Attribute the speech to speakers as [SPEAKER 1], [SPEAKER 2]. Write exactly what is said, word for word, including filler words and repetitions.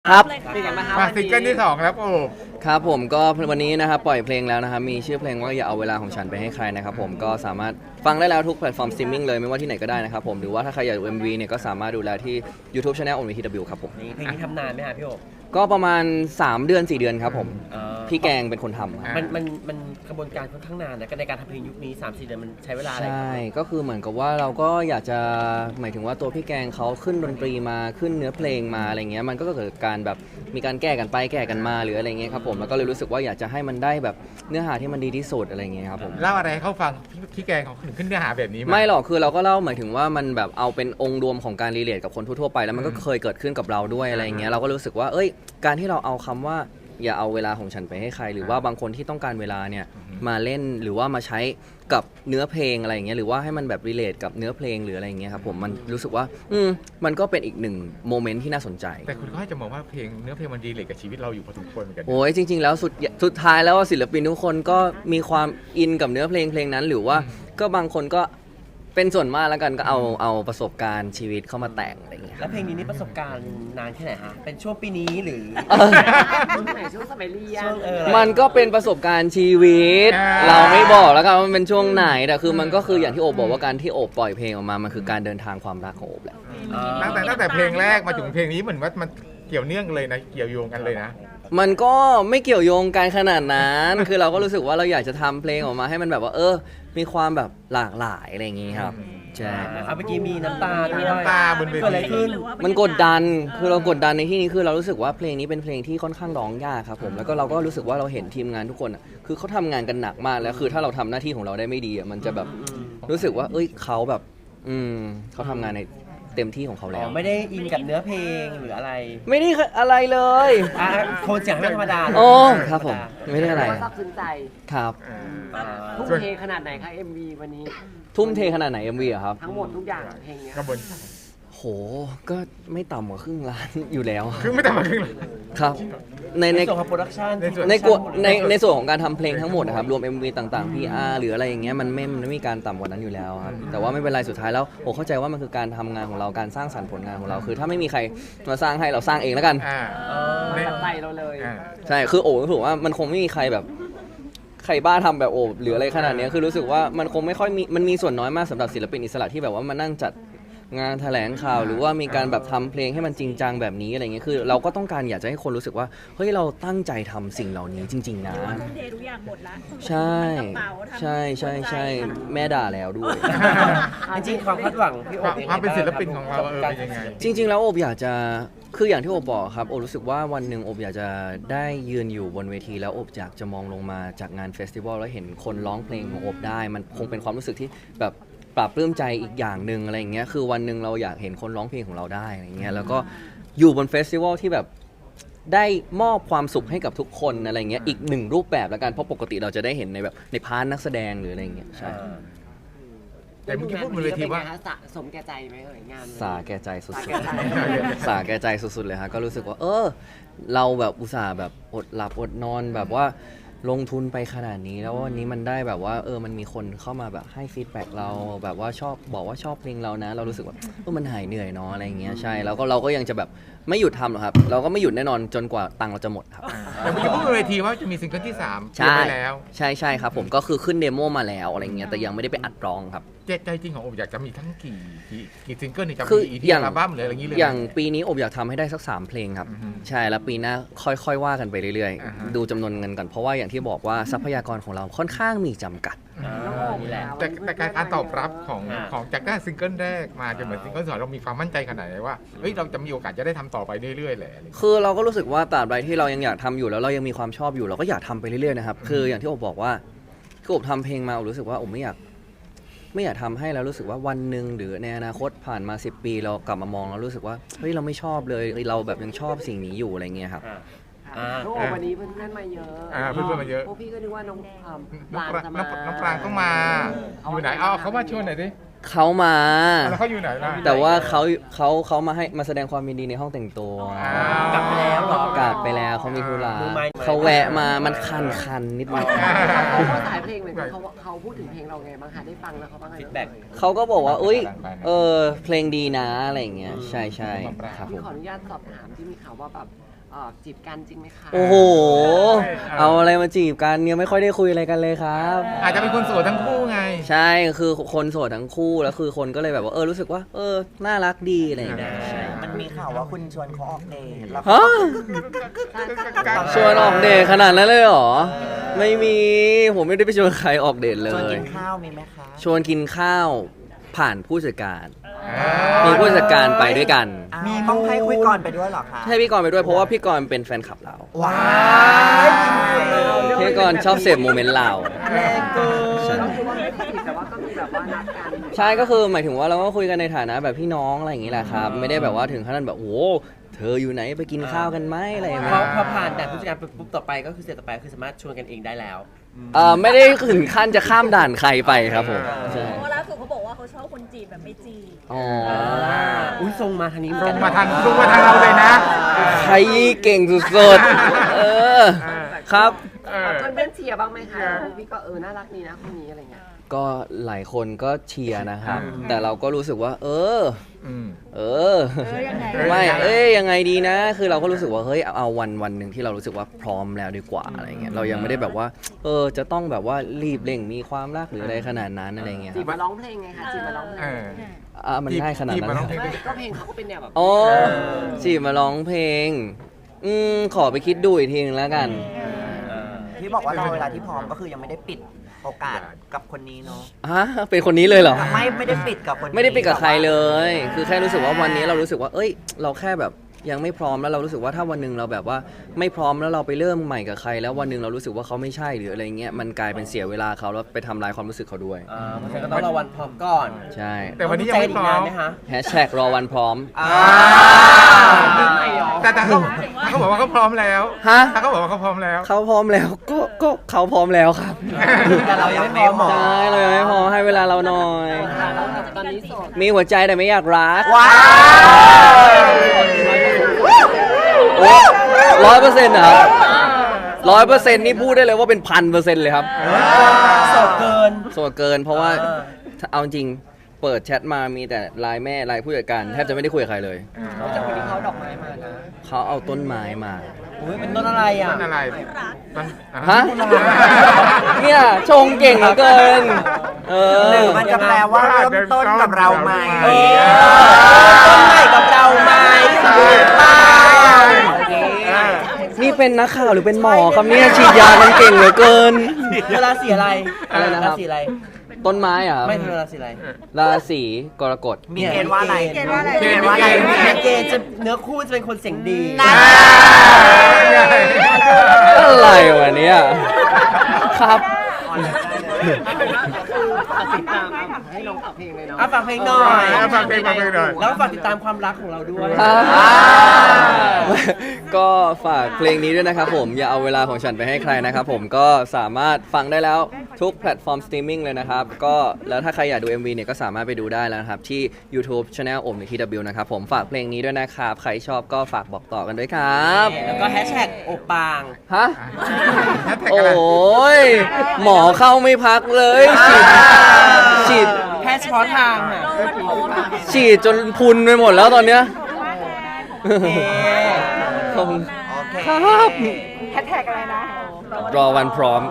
[SPEAKER 1] ครับ
[SPEAKER 2] เป็นไงบ้างครับ
[SPEAKER 3] มาซิงเกิลที่สองแล้วโอ้
[SPEAKER 1] ครับผมก็วันนี้นะครับปล่อยเพลงแล้วนะครับมีชื่อเพลงว่าอย่าเอาเวลาของฉันไปให้ใครนะครับผมก็สามารถฟังได้แล้วทุกแพลตฟอร์มสตรีมมิ่งเลยไม่ว่าที่ไหนก็ได้นะครับผมหรือว่าถ้าใครอยากดู เอ็ม วี เนี่ยก็สามารถดูแลที่ YouTube Channel โอ วี ที ดับเบิลยู ครับผม
[SPEAKER 2] นี่เพลงนี้ทำนานไหมฮะพี่โอ๊ค
[SPEAKER 1] ก็ประมาณสามเดือนสี่เดือนครับผม
[SPEAKER 2] เอ่อ
[SPEAKER 1] พี่แกงเป็นคนทำครับ
[SPEAKER 2] มันมันมันกระบวนการค่อนข้างนานนะในการทำเพลงยุคนี้สามสี่เดือนมันใช้เวลาอะไร
[SPEAKER 1] ใช่ก็คือเหมือนกับว่าเราก็อยากจะหมายถึงว่าตัวพี่แกงเขาขึ้นดนตรีมาขึ้นเนื้อเพลงมาอะไรเงี้ยมันก็เกิดการแบบมีการแก้กันไปแก้กันมาหรืออะไรเงี้ยครับผมแล้วก็เลยรู้สึกว่าอยากจะให้มันได้แบบเนื้อหาที่มันดีที่สุดอะไรเงี้ยครับผม
[SPEAKER 3] เล่าอะไรให้เขาฟังพี่พี่แกงเขาถึงขึ้นเนื้อหาแบบนี้
[SPEAKER 1] ไม่หรอกคือเราก็เล่าหมายถึงว่ามันแบบเอาเป็นองค์รวมของการรีเลทกับคนทั่วๆไปแล้วมันก็เคยเกิดขึ้นกับเราด้วยอะไรเงี้ยเราก็รู้สึกว่าเอ้ยการที่เราเอาคำว่าอย่าเอาเวลาของฉันไปให้ใครหรือว่าบางคนที่ต้องการเวลาเนี่ยมาเล่นหรือว่ามาใช้กับเนื้อเพลงอะไรอย่างเงี้ยหรือว่าให้มันแบบรีเลทกับเนื้อเพลงหรืออะไรอย่างเงี้ยครับผมมันรู้สึกว่าอืมมันก็เป็นอีกหนึ่งโมเมนต์ที่น่าสนใจ
[SPEAKER 3] แต่คุณก็ให้จะมองว่าเพลงเนื้อเพลงมันดีเลยกับชีวิตเราอยู่พอสมควรเหมือนกัน
[SPEAKER 1] โอ้ยจริงๆแล้วสุดสุดท้ายแล้วศิลปินทุกคนก็มีความอินกับเนื้อเพลงเพลงนั้นหรือว่าก็บางคนก็เป็นส่วนมากแล้วกันก็เอาเอาประสบการณ์ชีวิตเข้ามาแต่งอะไรอย่างเงี้ย
[SPEAKER 2] แล้วเพลงนี้นี่ประสบการณ์นานแค่ไหนฮะเป็นช่วงปีนี้หรือ
[SPEAKER 4] ช่วงไหนช่วงสมัยเรียน
[SPEAKER 2] ช่วงเออ
[SPEAKER 1] มันก็เป็นประสบการณ์ชีวิต
[SPEAKER 3] อ่า
[SPEAKER 1] เราไม่บอกแล้วกันว่ามันเป็นช่วงไหนแต่คือมันก็คืออย่างที่โอบบอกว่าการที่โอบปล่อยเพลงออกมามันคือการเดินทางความรักของโอบแหละ
[SPEAKER 3] ตั้งแต่ตั้งแต่เพลงแรกมาถึงเพลงนี้เหมือนว่ามันเกี่ยวเนื่องกันเลยนะเกี่ยวโยงกันเลยนะ
[SPEAKER 1] มันก็ไม่เกี่ยวโยงกันขนาดนั้น คือเราก็รู้สึกว่าเราอยากจะทำเพลงออกมาให้มันแบบว่าเออมีความแบบหลากหลายอะไรอย่างงี้ครับใช่
[SPEAKER 2] เอาเมื่อกี้มีน้ำตาด้วย
[SPEAKER 3] มีน้ำตาบนเวที
[SPEAKER 2] เกิดอะไรขึ้น
[SPEAKER 1] มันกดดัน คือเรากดดันในที่นี้คือเรารู้สึกว่าเพลงนี้เป็นเพลงที่ค่อนข้างร้องยากครับผม แล้วก็เราก็รู้สึกว่าเราเห็นทีมงานทุกคนอะคือเขาทำงานกันหนักมาก แล้วคือถ้าเราทำหน้าที่ของเราได้ไม่ดีอะมันจะแบบรู้สึกว่า เอ้ยเขาแบบ อืมเขาทำงานในเต็มที่ของเขา
[SPEAKER 2] อ๋
[SPEAKER 1] แล้
[SPEAKER 2] อ
[SPEAKER 1] ว
[SPEAKER 2] ไม่ได้อินกับเนื้อเพลงหรืออะไร
[SPEAKER 1] ไม่ได้อะไรเลย
[SPEAKER 2] อ่ะโทนเสียงให้มันธรรมดา
[SPEAKER 1] โอ้ครับผม ไม่ได้อะไร
[SPEAKER 4] ซาบซึ้งใจ
[SPEAKER 1] ครับ
[SPEAKER 2] อ่า
[SPEAKER 4] ทุ่มเทขนาดไหนคะ เอ็ม วี วันนี้
[SPEAKER 1] ทุ่มเทขนาดไหน เอ็ม วี อะครับ
[SPEAKER 4] ทั้งหมดทุกอย่างเพลงเนี้ย
[SPEAKER 3] กระบวน
[SPEAKER 1] โห ก็ไม่ต่ำกว่าครึ่งล้านอยู่แล้ว
[SPEAKER 3] คือไม่แต่มาครึ่งเลย
[SPEAKER 1] ครับ ใน
[SPEAKER 2] ใน
[SPEAKER 1] ใน
[SPEAKER 2] ส่วนของโปรดักชัน
[SPEAKER 3] ในส่วน
[SPEAKER 1] ในกวในในส่วนของการทำเพลงทั้งหมดนะครับรวม เอ็ม วี ต่างๆ พี อาร์ หรืออะไรอย่างเงี้ยมันไม่มันไม่มีการต่ำกว่านั้นอยู่แล้วครับแต่ว่าไม่เป็นไรสุดท้ายแล้วผมเข้าใจว่ามันคือการทำงานของเราการสร้างสรรค์ผลงานของเรา คือถ้าไม่มีใครมาสร้างให้เราสร้างเองแล้วกัน
[SPEAKER 3] อ่า
[SPEAKER 4] มาจากใจเราเลย
[SPEAKER 3] อ่า
[SPEAKER 1] ใช่คือโอ้รู้สึกว่ามันคงไม่มีใครแบบใครบ้าทำแบบโอบหรืออะไรขนาดเนี้ยคือรู้สึกว่ามันคงไม่ค่อยมีมันมีส่วนน้อยมากสำหรับศิลปินอิสระที่แบบว่ามานั่งจัดงานแถลงข่าวหรือว่ามีการแบบทำเพลงให้มันจริงจังแบบนี้อะไรเงี้ยคือเราก็ต้องการอยากจะให้คนรู้สึกว่าเฮ้ยเราตั้งใจทำสิ่งเหล่านี้จริง ๆ นะ
[SPEAKER 5] ทุ่มเททุกอย่างหมดละ
[SPEAKER 1] ใช่
[SPEAKER 5] กระเป๋าทำ
[SPEAKER 1] ใช่ใช่ใช่แม่ด่าแล้วด้วย
[SPEAKER 2] จริงๆความคาดหวังพี่โอ๊ค
[SPEAKER 3] ความเป็นศิลปินของเราเออเป็นยังไง
[SPEAKER 1] จริง ๆ แล้วโอบอยากจะคืออย่างที่โอบบอกครับโอบรู้สึกว่าวันหนึ่งโอบอยากจะได้ยืนอยู่บนเวทีแล้วโอบอยากจะมองลงมาจากงานเฟสติวัลแล้วเห็นคนร้องเพลงของโอบได้ มันคงเป็นความรู้สึกที่แบบปลาบปลื้มใจอีกอย่างหนึ่งอะไรอย่างเงี้ยคือวันหนึ่งเราอยากเห็นคนร้องเพลงของเราได้อะไรเงี้ยแล้วก็อยู่บนเฟสติวัลที่แบบได้มอบความสุขให้กับทุกคนอะไรเงี้ยอีกหนึ่งรูปแบบแล้วกันเพราะปกติเราจะได้เห็นในแบบในพาร์ทนักแสดงหรืออะไรเงี้ยใช่
[SPEAKER 3] แต่เมื่อกี้พูดบนเวทีว่า
[SPEAKER 4] ป็นไงคะสะสมแก่ใจไหมเอ่ยงาน
[SPEAKER 1] สาแก่ใจสุด
[SPEAKER 4] สา
[SPEAKER 1] ๆ
[SPEAKER 4] แก่ใจ
[SPEAKER 1] สาแก่ใจสุดๆเลยฮะก็รู้สึกว่า เออ เราแบบอุตส่าห์แบบอดหลับอดนอนแบบว่าลงทุนไปขนาดนี้แล้ววันนี้มันได้แบบว่าเออมันมีคนเข้ามาแบบให้ฟีดแบ็กเราแบบว่าชอบบอกว่าชอบเพลงเรานะ เรารู้สึกว่าเออมันหายเหนื่อยเนาะอะไรอย่างเงี้ยใช่แล้วก็เราก็ยังจะแบบไม่หยุดทำหรอกครับ เราก็ไม่หยุดแน่นอนจนกว่าตังค์เราจะหมดครับ
[SPEAKER 3] แต่เมื่อกี้พูดบนเวทีว่าจะมีซิงเกิลที่สาม
[SPEAKER 1] ใช่
[SPEAKER 3] เตรียมไว้แล้ว
[SPEAKER 1] ใช่ใช่ครับผมก็คือขึ้นเดโมมาแล้วอะไรเงี้ยแต่ยังไม่ได้ไปอัดร้องครับ
[SPEAKER 3] เจใจจริงของโอบอยากจะมีทั้งกี่กี่กี่ซิงเกิลนี่จะ
[SPEAKER 1] คือ
[SPEAKER 3] มีอีก
[SPEAKER 1] อย่าง
[SPEAKER 3] อัลบั้มหรืออะไรอย่างนี้เลยไหม
[SPEAKER 1] อย่างปีนี้อบอยากทำให้ได้สักสามเพลงครับ
[SPEAKER 3] อือฮึ
[SPEAKER 1] ใช่แล้วปีหน้าค่อยๆว่ากันไปเรื่อย
[SPEAKER 3] อ่าฮะ
[SPEAKER 1] ๆ ดูจำนวนเงินก่อนเพราะว่าอย่างที่บอกว่าทรัพยากรของเราค่อนข้างมีจำกัด
[SPEAKER 2] อ่า
[SPEAKER 4] น้องโอบ
[SPEAKER 2] นี่แหละ
[SPEAKER 3] แต่แต่การตอบรับของ
[SPEAKER 2] อ่า
[SPEAKER 3] ของจากได้ซิงเกิลแรกมาจนเหมือนซิงเกิลสองเรามีความมั่นใจขนาดไหนว่าเฮ้ยเราจะมีโอกาสจะได้ทำต่อไปเรื่อยๆแหละอะไรอย่างเงี้ย
[SPEAKER 1] คือเราก็รู้สึกว่าตราบใดที่เรายังอยากทำอยู่แล้วเรายังมีความชอบอยู่เราก็อยากทำไปเรื่อยๆนะครับคืออย่างที่อบบอกว่าคืออบทำเพลงมาอบรู้สึกว่าอบไม่อยากไม่อยากทำให้แล้วรู้สึกว่าวันหนึ่งหรือในอนาคตผ่านมาสิบปีเรากลับมามองแล้วรู้สึกว่าเฮ้ยเราไม่ชอบเลยเราแบบยังชอบสิ่งนี้อยู่อะไรเงี้ยครับ
[SPEAKER 2] อ่า
[SPEAKER 4] อ่าน้องโอบวันนี้เพื่อนๆมาเยอะ
[SPEAKER 3] อ่าเพื่อนๆมาเยอะ
[SPEAKER 4] พวกพี่ก็นึกว่าน้องอ่าป
[SPEAKER 3] น้อง
[SPEAKER 4] ลาง
[SPEAKER 3] ปราง
[SPEAKER 4] จะ
[SPEAKER 3] น้อง
[SPEAKER 4] มา
[SPEAKER 3] น้องปรางต้องมา อยู่ไหนเอาเขามาชวนหน่อยดิ
[SPEAKER 1] เขามา
[SPEAKER 3] แล้วเขาอยู่ไหนล่ะ
[SPEAKER 1] แต่ว่าเขาเขาเขามาให้มาแสดงความยินดีในห้องแต่งตัว
[SPEAKER 3] อ้าว
[SPEAKER 2] กลับไปแล้วเหรอ
[SPEAKER 1] กลับไปแล้วเขามีธุระ
[SPEAKER 2] มือไม้
[SPEAKER 1] เขาแวะมามันคันคันๆนิดนึง
[SPEAKER 4] เขาก็สายเพลงเหมือนกันเขาเขาพูดถึงเพลงเราไงบ้างคะได้ฟังแล้วเขาบ้างไง
[SPEAKER 2] ฟีดแบ็ก
[SPEAKER 1] เขาก็บอกว่าอุ้ยเออเพลงดีนะอะไรอย่างเงี้ยใช่ใช่ครับผ
[SPEAKER 4] พี่
[SPEAKER 1] ม
[SPEAKER 4] ขออนุญาตสอบถามที่มีข่าวว่าแบบเอ่อจีบกันจริงไหมคะ
[SPEAKER 1] โอ้โห เอาอะไรมาจีบกันเนี่ยไม่ค่อยได้คุยอะไรกันเลยครับ
[SPEAKER 3] อาจจะเป็นคนโสดทั้งคู่ไง
[SPEAKER 1] ใช่คือคนโสดทั้งคู่แล้วคือคนก็เลยแบบว่าเออรู้สึกว่า เออน่ารักดีอะไรอย่างเงี้ยใช่
[SPEAKER 5] มันมีข่าวว่าคุณชวนเขาออกเดทแล้ว
[SPEAKER 1] ฮะชวนออกเดทขนาดนั้นเลยเหรอ ไม่มีผมไม่ได้ไปชวนใครออกเดทเล
[SPEAKER 5] ชวน
[SPEAKER 1] ย
[SPEAKER 5] กินข้าวมีไหมคะ
[SPEAKER 1] ชวนกินข้าวผ่านผู้จัดการ มีผู้จัดการไปด้วยกัน
[SPEAKER 5] มีต้องให้คุยก่อนไปด้วยเหรอคะ
[SPEAKER 1] ให้พี่กรณ์ไปด้วยเพราะว่าพี่กรณ์เป็นแฟนคลับเรา
[SPEAKER 5] ว้าย
[SPEAKER 1] พี่กรณ์ชอบเสพโมเมนต์เรา
[SPEAKER 5] แรงเกิน
[SPEAKER 4] ก็คือว่าไม่ได้จีบแต่ว่าก็มีแบบว่านัดกัน
[SPEAKER 1] ใช่ก็คือหมายถึงว่าเราก็คุยกันในฐานะแบบพี่น้องอะไรอย่างนี้แหละครับ ไม่ได้แบบว่าถึงขนาดแบบโอ้โหเธออยู่ไหนไปกินข้าวกันไหมอะไรอย่าง
[SPEAKER 2] พ
[SPEAKER 1] เงี้
[SPEAKER 2] อย พอผ่านแต่ผู้จัดการปุ๊บต่อไปก็คือเสร็จต่อไปคือสามารถชวนกันเองได้แล้ว
[SPEAKER 1] เอ่อไม่ได้ถึงขั้นจะข้ามด่านใครไปครับผมใช่
[SPEAKER 6] เพราะล่าสุดเขาบอกว่าเขาชอบคนจีบแบบไม่จีบ
[SPEAKER 1] อ๋อ
[SPEAKER 2] อุ้ยทรงมาทางนี้เหมือน
[SPEAKER 3] ตร
[SPEAKER 2] กั
[SPEAKER 3] ง
[SPEAKER 2] น
[SPEAKER 3] มาทางตรงมาทางเราเลยนะ
[SPEAKER 1] ใครเก่งสุดๆเออครับ
[SPEAKER 3] เออ
[SPEAKER 4] เพื่อนๆเชียร์บ้างไหมคะพี่ก็เออน่ารักดีนะคนนี้อะไรเงี้ย
[SPEAKER 1] ก็หลายคนก็เชียร์นะครับ แต่เราก็รู้สึกว่า เออ
[SPEAKER 3] อืม
[SPEAKER 1] เออ
[SPEAKER 6] เออยังไง
[SPEAKER 1] ไม่ เอ้ยยังไงดีนะ คือเราก็รู้สึกว่า เฮ้ย เอาวันวันหนึ่งที่เรารู้สึกว่าพร้อมแล้วดีกว่าอะไรเงี้ย เรายังไม่ได้แบบว่า เออ จะต้องแบบว่ารีบเร่งมีความรักหรืออะไรขนาดนั้นอะไรเงี้ยค
[SPEAKER 4] จี
[SPEAKER 1] รั
[SPEAKER 4] บบ มาร้องเพลงไงคะจีบมาร้องเพล
[SPEAKER 3] เอง อ
[SPEAKER 1] อ่ะมันง่ายขนาด
[SPEAKER 3] จีบ
[SPEAKER 1] นั้
[SPEAKER 3] มาน ร้องเพลง
[SPEAKER 4] ไม่ก็เพลงเขาก็เป็นแนวแบบ
[SPEAKER 1] อ๋อจีบมาร้องเพลง อืม ขอไปคิดดูอีกทีนึงแล้วกัน
[SPEAKER 5] ที่บอกว่ารอเวลาที่พร้อมก็คือยังไม่ได้ปิดโอกาสกับคนนี้เนาะ
[SPEAKER 1] ฮะ เป็นคนนี้เลยเหรอ
[SPEAKER 5] ไม่ไม่ได้ปิดกับคนนี้
[SPEAKER 1] ไม่ได้ปิดกับใครเลย คือแค่รู้สึกว่าวันนี้เรารู้สึกว่า เอ้ย เราแค่แบบยังไม่พร้อมแล้วเรารู้สึกว่าถ้าวันหนึ่งเราแบบว่าไม่พร้อมแล้วเราไปเริ่มใหม่กับใคร แล้ววันหนึ่งเรารู้สึกว่าเขาไม่ใช่หรืออะไรเงี้ย มันกลายเป็นเสียเวลาเขาแล้วไปทำลายความรู้สึกเขาด้วย
[SPEAKER 2] อ่าเพราะฉะนั้นก็ต้องรอวันพร้อมก่อน
[SPEAKER 1] ใช่
[SPEAKER 3] แต่วันนี้ยังไม่พร้อม
[SPEAKER 2] ใจกนานไหมคะ
[SPEAKER 1] แฮชแท็กรอวันพร้อม
[SPEAKER 5] อ่า
[SPEAKER 3] แต่แต่เขาเขาบอกว่าเขาพร้อมแล้ว
[SPEAKER 1] ฮะ
[SPEAKER 3] ถ้าเขาบอกว่าเขาพร้อมแล้ว
[SPEAKER 1] เขาพร้อมแล้ว ก็ ก็เขาพร้อมแล้วครับ
[SPEAKER 5] แต่เรายังไม่พร้อม
[SPEAKER 1] ใช่เรายังไม่พร้อมให้เวลาเราหน่อย
[SPEAKER 4] ตอนนี้โสด
[SPEAKER 1] มีหัวใจแต่ไม่อยากรัก
[SPEAKER 5] ว้าว
[SPEAKER 1] ร้อยเปอร์เซ็นต์เหรอร้อยเปอร์เซ็นต์นี่พูดได้เลยว่าเป็นพันเปอร์เซ็นต์เลยครับ
[SPEAKER 2] โสดเกิน
[SPEAKER 1] โสดเกินเพราะว่า
[SPEAKER 2] อ่า
[SPEAKER 1] ถ้าเอาจริงเปิดแชทมามีแต่ไลน์แม่ไลน์ผู้จัดการแทบจะไม่ได้คุยกับใครเลย
[SPEAKER 4] แต่คนนี้เขาดอกไม้มานะ
[SPEAKER 1] เขาเอาต้นไม้มา
[SPEAKER 2] อุ้ยเป็นต้นอะไรอ่ะ
[SPEAKER 3] ต้นอะไรต้น
[SPEAKER 1] ฮะ เนี่ยชงเก่งเหลือเกิน เอ
[SPEAKER 5] หรือ
[SPEAKER 1] อ
[SPEAKER 5] มันจะแปลว่าเริ่มต้นกับเราใหม่
[SPEAKER 2] เออต้นใหม่กับเราไหมไปโอเค
[SPEAKER 1] นี่เป็นนักข่าวหรือเป็นหมอครับเนี่ยฉีดยากันเก่งเหลือเกิน
[SPEAKER 2] เวลาสีอะไร
[SPEAKER 1] อะไรนะครับ
[SPEAKER 2] ราศีอะไร
[SPEAKER 1] ต้นไม้อะครับ
[SPEAKER 2] ไม่เธอราศีอะไร
[SPEAKER 1] ราศีกรกฎ
[SPEAKER 5] มีเกณฑ์ว่าอะไร
[SPEAKER 6] เกณฑ์ว่าอะไร
[SPEAKER 5] เกณฑ์ว่าอะไร
[SPEAKER 2] ในเกณฑ์จะเนื้อคู่จะเป็นคนเสียงดี
[SPEAKER 1] อะไรวะเนี่ยครับ
[SPEAKER 4] ติดตามให้น้องฝากเพลงเลยเนาะ
[SPEAKER 2] อ่ะฝากเพลงหน่อย
[SPEAKER 3] เอาฝากเพลงฝากเพลงหน่อย
[SPEAKER 2] แล้วฝากติดตามความรักของเราด้วย
[SPEAKER 1] ก็ฝากเพลงนี้ด้วยนะครับผมอย่าเอาเวลาของฉันไปให้ใครนะครับผมก็สามารถฟังได้แล้วทุกแพลตฟอร์มสตรีมมิ่งเลยนะครับก็แล้วถ้าใครอยากดู เอ็ม วี เนี่ยก็สามารถไปดูได้แล้วนะครับที่ YouTube Channel โอมในที ดับเบิลยู นะครับผมฝากเพลงนี้ด้วยนะครับใครชอบก็ฝากบอกต่อกันด้วยครับ
[SPEAKER 2] แล้วก็แฮชแท็กโอปาง
[SPEAKER 1] ฮะ
[SPEAKER 3] แฮชแท็ก
[SPEAKER 1] โอ
[SPEAKER 3] อะไร
[SPEAKER 1] ้ยหมอเข้าไม่พักเลยฉีดฉีด
[SPEAKER 2] แพทย์เฉพาะทางอ่ะ
[SPEAKER 6] เรามันโพสต์อะ
[SPEAKER 1] ฉีดจนพุนไปหมดแล้วตอนเนี้ย
[SPEAKER 2] โอเค
[SPEAKER 1] ขอบคุณ
[SPEAKER 5] โอเค
[SPEAKER 1] ครับ
[SPEAKER 6] แฮชแท็กอะไรนะ
[SPEAKER 1] รอวันพร้อม